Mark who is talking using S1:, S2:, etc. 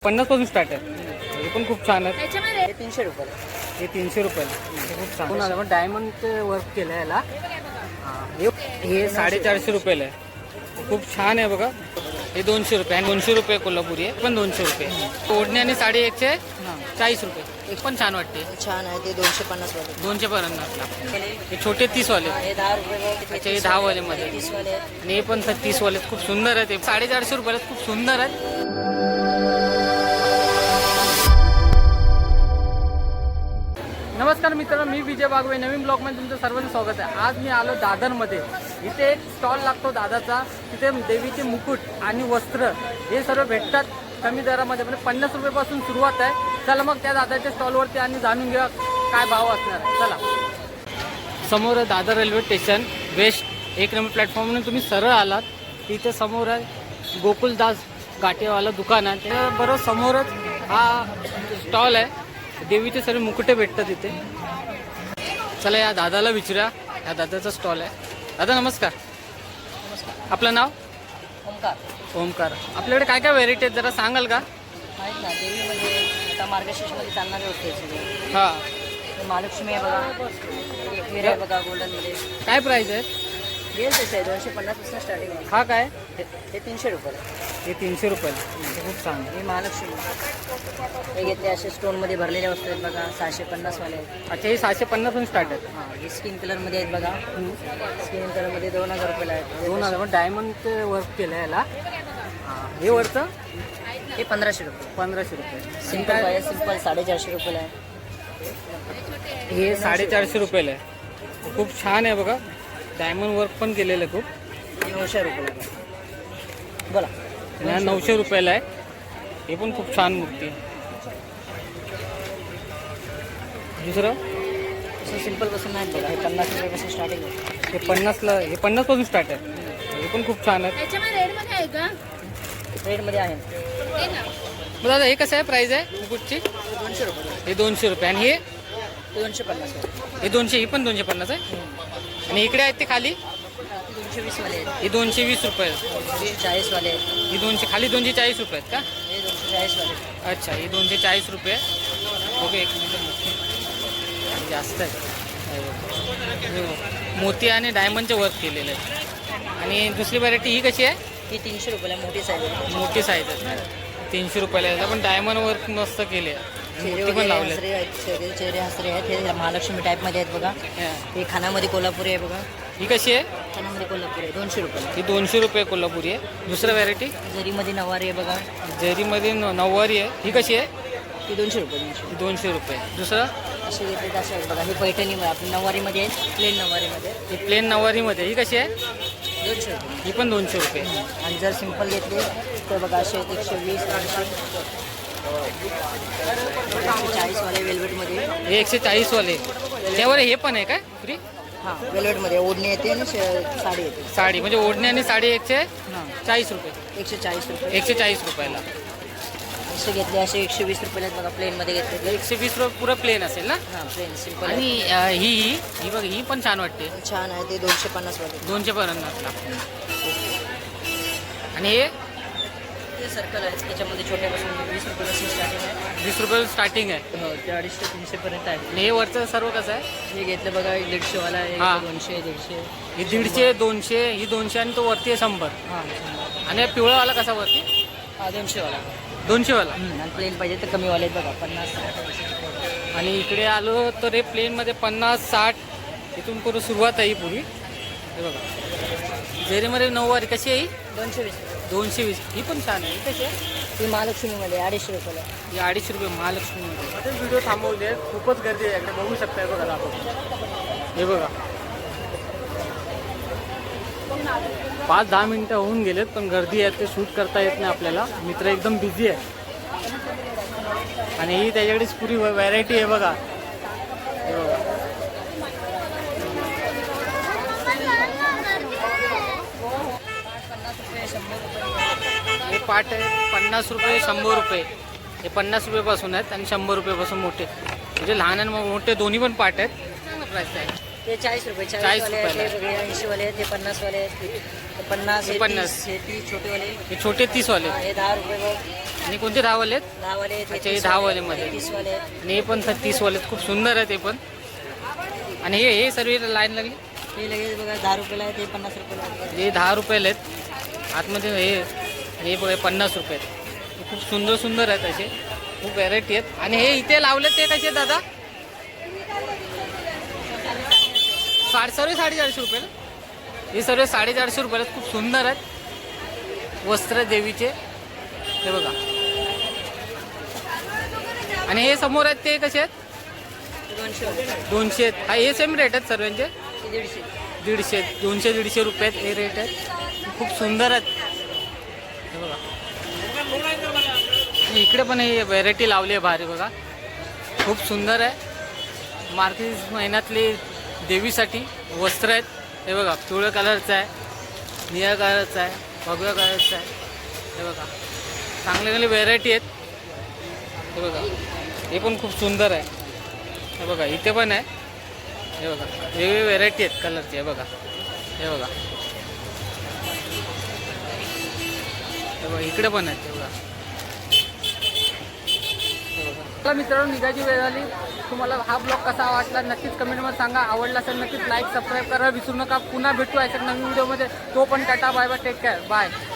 S1: 50 पासून स्टार्ट आहे. हे पण खूप छान आहे.
S2: हे 300 रुपये.
S1: हे 300 रुपयाला. हे खूप छान आहे. आपण डायमंडचे वर्क केलं आहे याला. हे 450 रुपयाला आहे. खूप छान आहे बघा. हे 200 रुपये आणि 200 रुपये कोल्हापुरी आहे पण 200 रुपये. ओढणी आणि साडी 140 रुपये. एक पण छान वाटते.
S2: छान आहे ते 250 वाले.
S1: 200 पर्यंत. हे छोटे 30 वाले.
S2: हे 10 रुपये.
S1: अच्छा हे 10 वाले मध्ये
S2: 30 वाले.
S1: आणि हे पण 30 वाले खूप सुंदर आहेत. 450 रुपयाला खूप सुंदर आहेत. नमस्कार मित्रांनो, मी विजय बागवे. नवीन ब्लॉगमध्ये तुमचं सर्वांचं स्वागत आहे. आज मी आलो दादरमध्ये. इथे एक स्टॉल लागतो दादाचा. तिथे देवीचे मुकुट आणि वस्त्र हे सर्व भेटतात कमी दरामध्ये. म्हणजे 50 रुपयापासून सुरुवात आहे. चला मग त्या दादाच्या स्टॉलवरती आणि जाणून घ्या काय भाव असणार आहे. चला. समोर Dadar railway station west 1 number प्लॅटफॉर्मवरून तुम्ही सरळ आलात. तिथे समोर आहे गोकुलदास गाठेवाला दुकान आहे. त्याबरोबर समोरच हा स्टॉल आहे. देवीचे सर्व मुकुटे भेटतात इथे. चला या दादाला विचारा. या दादाचा स्टॉल आहे. दादा नमस्कार. आपलं नाव?
S2: ओमकार.
S1: ओमकार. आपल्याकडे काय काय व्हेरायटी आहेत जरा सांगाल का?
S2: आहेत ना देवीमध्ये आता मार्गशीर्षमध्ये चालणारे होते सगळे.
S1: हां.
S2: महालक्ष्मी आहे बघा. एकवीर आहे बघा गोल्डनमध्ये.
S1: काय प्राईस आहे?
S2: गेल तसे आहे 250 पासून स्टार्टिंग आहे.
S1: हा काय?
S2: हे 300 रुपये.
S1: हे 300 रुपये. खूप छान.
S2: हे महालक्ष्मी. हे घेतले असे स्टोनमध्ये भरलेल्या वस्तू आहेत बघा. 650 वाले आहेत.
S1: अच्छा हे 750 पासून स्टार्ट आहेत.
S2: हां हे स्किन कलरमध्ये आहेत बघा. स्किन कलरमध्ये 2000 रुपयाला आहेत.
S1: 2000. डायमंडचे वर्क केलं आहे याला. हे वरचं
S2: हे 1500 रुपये.
S1: 1500 रुपये.
S2: सिंपल आहे. सिंपल 450 रुपयाला आहे.
S1: हे 450 रुपयाला आहे. खूप छान आहे बघा. डायमंड वर्क पण केलेलं आहे खूप.
S2: 900 रुपयाला आहे. बोला.
S1: आणि हा 900 रुपयाला आहे. हे पण खूप छान मूर्ती आहे. दुसरं
S2: असं सिंपल पासून नाही बघा. हे 50 रुपयापासून स्टार्टिंग आहे.
S1: हे 50ला. हे 50 पासून स्टार्ट आहे. हे पण खूप छान आहे.
S2: रेडमध्ये आहे.
S1: मग दादा हे कसं आहे प्राईस आहे मुकुटची?
S2: 200 रुपये.
S1: हे 200 रुपये. आणि हे
S2: 250 आहे.
S1: हे 200. ही पण 250 आहे. आणि इकडे आहेत ते खाली
S2: 220 वाले आहेत.
S1: हे 220 रुपये.
S2: 240 वाले आहेत.
S1: ही 200 खाली 240 रुपये आहेत का?
S2: हे 240 वाले आहेत.
S1: अच्छा ही 240 रुपये. ओके एक मिनिट. जास्त आहे. मोती आणि डायमंडचे वर्क केलेले आहे. आणि दुसरी व्हरायटी ही कशी आहे?
S2: ही 300 रुपयाला मोठी साईज आहे.
S1: मोठी साईज आहे. 300 रुपयाला आहे. पण डायमंड वर्क मस्त केले आहे. मोती पण लावले.
S2: हसरे आहेत. चेहरे हसरे आहेत. हे महालक्ष्मी टाईपमध्ये आहेत बघा. हे खानामध्ये कोल्हापुरी आहे बघा.
S1: ही कशी आहे?
S2: खानामध्ये कोल्हापुरी आहे 200 रुपयाला.
S1: ही 200 रुपये कोल्हापुरी आहे. दुसरं व्हरायटी
S2: जरीमध्ये नवारी आहे बघा.
S1: जरीमध्ये नऊवारी आहे. ही कशी आहे?
S2: ही 200 रुपये.
S1: 200 रुपये. दुसरं
S2: असे घेतले तसे आहेत बघा. ही पैठणी आपली नवारीमध्ये आहे. प्लेन नवारीमध्ये.
S1: ही प्लेन नऊवारीमध्ये. ही कशी आहे?
S2: 200 रुपये.
S1: ही पण 200 रुपये.
S2: आणि जर सिंपल घेतले तर बघा असे 120 140 वाले वेल्वेटमध्ये.
S1: हे 140 वाले. त्यावर हे पण आहे काय फ्री?
S2: हां वेल्वेटमध्ये ओढणी येते आणि साडी येते.
S1: साडी म्हणजे ओढणी आणि साडी 140 रुपये.
S2: 140 रुपये.
S1: 140 रुपयाला.
S2: असे घेतले असे 120 रुपयाला बघा. प्लेनमध्ये घेतले
S1: 120 रुपये पुरं प्लेन असेल ना?
S2: हां प्लेन सिंपल.
S1: आणि ही बघ ही पण छान वाटते.
S2: छान आहे ते 250 वाले.
S1: 200 पर्यंत असला. आणि हे
S2: ते सर्कल आहे. त्याच्यामध्ये छोट्यापासून 20 रुपयापासून स्टार्टिंग आहे.
S1: 20 रुपये स्टार्टिंग आहे.
S2: हो ते 250 ते 300 पर्यंत आहे.
S1: आणि हे वरचं सर्व कसं आहे?
S2: हे घेतलं बघा 150 वाला आहे.
S1: हां.
S2: 200 150.
S1: ही 150 200 ही 200 आणि तो वरती आहे 100.
S2: हां
S1: आणि हा पिवळावाला कसा वरती?
S2: हा 200 वाला.
S1: 200 वाला.
S2: आणि प्लेन पाहिजे तर कमी वाले आहेत बघा 50.
S1: आणि इकडे आलो तर हे प्लेनमध्ये 50 60 इथून करून सुरुवात आहे ही पुरी. हे बघा जेरीमध्ये नऊवारी कशी आहे ही?
S2: 220.
S1: 220. ही पण छान आहे. ही कशी आहे?
S2: ती महालक्ष्मीमध्ये 250 रुपयाला.
S1: ही 250 रुपये महालक्ष्मीमध्ये. व्हिडिओ थांबवले. खूपच गर्दी आहे इकडे बघू शकताय बघा आपण. हे बघा 5-10 मिनटं होऊन गेलेत पण गर्दी आहे ते शूट करता येत नाही आपल्याला. मित्र एकदम बिझी आहे. आणि ही त्याच्याकडेच पुरी व्हरायटी आहे बघा. हे बघा हे पाट आहे 50 रुपये 100 रुपये. हे 50 रुपयेपासून आहेत आणि 100 रुपयेपासून मोठे. म्हणजे लहान आणि मोठे दोन्ही पण पाट आहेत. चांगला प्राईस आहे.
S2: ते 40 रुपये
S1: 40
S2: 40 वाले आहेत,
S1: रुपयाला.
S2: ते वेगळे 80 वाले आहेत, ते 50 वाले आहेत, ते 50
S1: हे
S2: हे
S1: 50.
S2: 30 हे 30 छोटे वाले.
S1: हे छोटे 30 वाले
S2: हा, हे 10 रुपये बघ.
S1: आणि कोणते 10 वाले आहेत
S2: 10 वाले आहेत, हे
S1: अच्छा, हे
S2: 30
S1: 10
S2: वाले
S1: वाले
S2: आहेत,
S1: मध्ये.
S2: हे 30 वाले आहेत.
S1: आणि हे पण 30 वाले आहेत. खूप सुंदर आहे ते पण. आणि हे सर्व लाईन लागली
S2: हे लगेच बघा 10 रुपयाला आहे, ते 50 रुपयाला आहे.
S1: हे 10 रुपयाला आहेत. आतमध्ये हे बघा 50 रुपये आहेत. खूप सुंदर सुंदर आहेत असे, खूप व्हरायटी आहेत. आणि हे इथे लावले ते कसे आहेत दादा? सर्व 450 रुपये. हे सर्व 450 रुपये आहेत. खूप सुंदर आहेत वस्त्र देवीचे, हे बघा. आणि हे समोर आहेत ते कसे आहेत?
S2: ते 200 रुपये.
S1: 200 आहेत. हा हे सेम रेट आहेत सर्वांचे.
S2: ते 150.
S1: 150 200-150 रुपये आहेत हे रेट आहेत. खूप सुंदर आहेत, हे बघा. आणि इकडे पण हे व्हेरायटी लावली आहे भारी बघा, खूप सुंदर आहे. मार्गशीर्ष महिन्यातली देवीसाठी वस्त्र आहेत, हे बघा. पिवळ्या कलरचं आहे, निळ्या कलरचं आहे, भगव्या कलरचं आहे, हे बघा. चांगले चांगले व्हेरायटी आहेत, हे बघा. हे पण खूप सुंदर आहे, हे बघा. इथे पण आहे, हे बघा. वेगवेगळी व्हेरायटी आहेत कलरची, हे बघा. हे बघा, हे बघा. इकडे पण आहेत, हे बघा. चला मित्रांनो, निघायची वेळ झाली. तुम्हाला हा ब्लॉग कसा वाटला नक्कीच कमेंटमध्ये सांगा. आवडला असेल नक्कीच लाईक सबस्क्राईब करा विसरू नका. पुन्हा भेटू अशा नवीन व्हिडिओमध्ये. तो पण tata, bye bye, take care, bye.